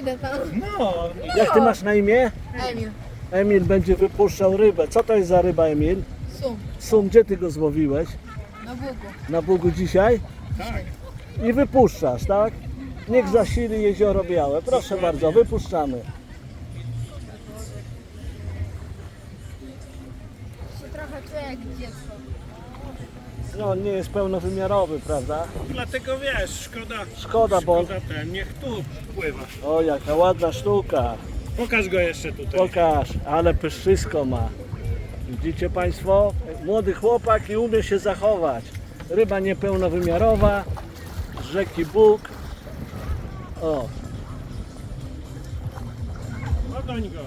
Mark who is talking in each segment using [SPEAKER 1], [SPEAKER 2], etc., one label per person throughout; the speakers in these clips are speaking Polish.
[SPEAKER 1] Idę tam.
[SPEAKER 2] No,
[SPEAKER 3] Jak ty masz na imię?
[SPEAKER 1] Emil.
[SPEAKER 3] Emil będzie wypuszczał rybę. Co to jest za ryba, Emil?
[SPEAKER 1] Sum.
[SPEAKER 3] Sum, gdzie ty go złowiłeś?
[SPEAKER 1] Na Bugu.
[SPEAKER 3] Na Bugu dzisiaj?
[SPEAKER 2] tak.
[SPEAKER 3] I wypuszczasz, tak? Niech zasili jezioro Białe. Proszę bardzo, wypuszczamy.
[SPEAKER 1] Się trochę czuję jak dziecko.
[SPEAKER 3] No, on nie jest pełnowymiarowy, prawda?
[SPEAKER 2] Dlatego wiesz,
[SPEAKER 3] Szkoda, bo...
[SPEAKER 2] ten, niech tu pływa.
[SPEAKER 3] O, jaka ładna sztuka.
[SPEAKER 2] Pokaż go jeszcze tutaj.
[SPEAKER 3] Pokaż, ale pyszczysko ma. Widzicie Państwo? Młody chłopak i umie się zachować. Ryba niepełnowymiarowa, z rzeki Bóg. O,
[SPEAKER 2] Ogoń go.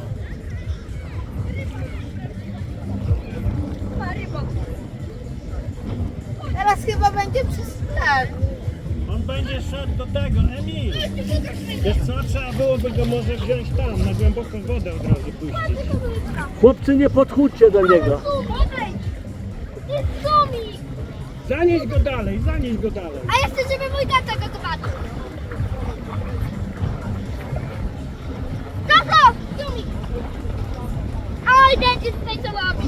[SPEAKER 1] Teraz chyba będzie przez ten.
[SPEAKER 2] On będzie szedł do tego, Emil. Wiesz co, trzeba byłoby go może wziąć tam, na głęboką wodę od razu puścić.
[SPEAKER 3] chłopcy, nie podchódźcie do niego.
[SPEAKER 1] Jest Sumik!
[SPEAKER 2] Zanieś go dalej, zanieś go dalej.
[SPEAKER 1] A ja chcę, żeby mój tata go zobaczył. Tato! Sumik! Oj, będzie tutaj co robić.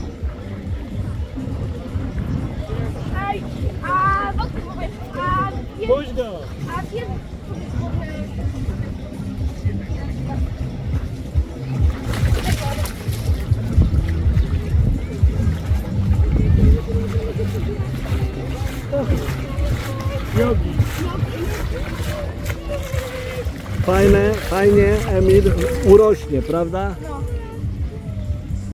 [SPEAKER 1] Ej, a wokół mówię,
[SPEAKER 2] Puść go.
[SPEAKER 1] a wiesz,
[SPEAKER 2] Jogi.
[SPEAKER 3] Fajnie, Emil urośnie, prawda?
[SPEAKER 1] no.